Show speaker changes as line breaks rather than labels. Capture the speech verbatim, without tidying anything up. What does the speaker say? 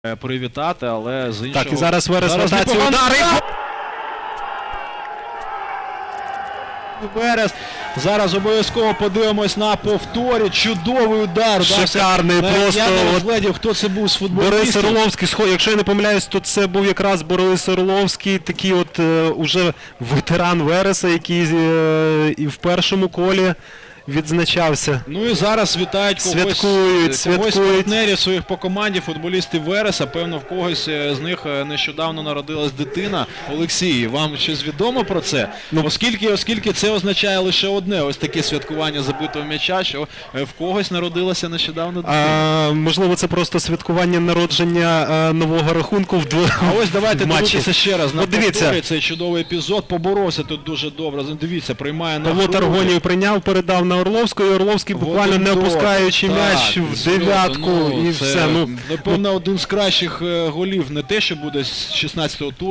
привітати, але з іншого...
Так, і зараз Верес
Зараз
ротацію
непогано.
удари.
Верес. Зараз обов'язково подивимось на повторі. Чудовий удар.
Шикарний,
да,
просто
я не
от
розглядів, хто це був з
Борис
футболістів.
Орловський, якщо я не помиляюсь, то це був якраз Борис Орловський, такий от е, уже ветеран Вереса, який е, і в першому колі відзначався.
Ну і зараз вітають когось,
Святкують,
когось
святкують.
партнерів своїх по команді, футболістів Вереса. Певно, в когось з них нещодавно народилась дитина. Олексій, вам щось відомо про це?
Ну,
оскільки, оскільки це означає лише одне, ось таке святкування забитого м'яча, що в когось народилася нещодавно дитина.
А, можливо, це просто святкування народження а, нового рахунку в двох
А ось давайте дивитися ще раз на
От дивіться.
повторі цей чудовий епізод. Поборовся тут дуже добре. Дивіться, приймає на
Павло
груди.
Таргонів прийняв, передав на Орловського, і Орловський буквально не
Один
опускаючи
дотик.
м'яч
Так,
в дев'ятку,
ну,
і
це,
все. Ну,
напевно, один з кращих е, голів, не те, що буде з шістнадцятого туру.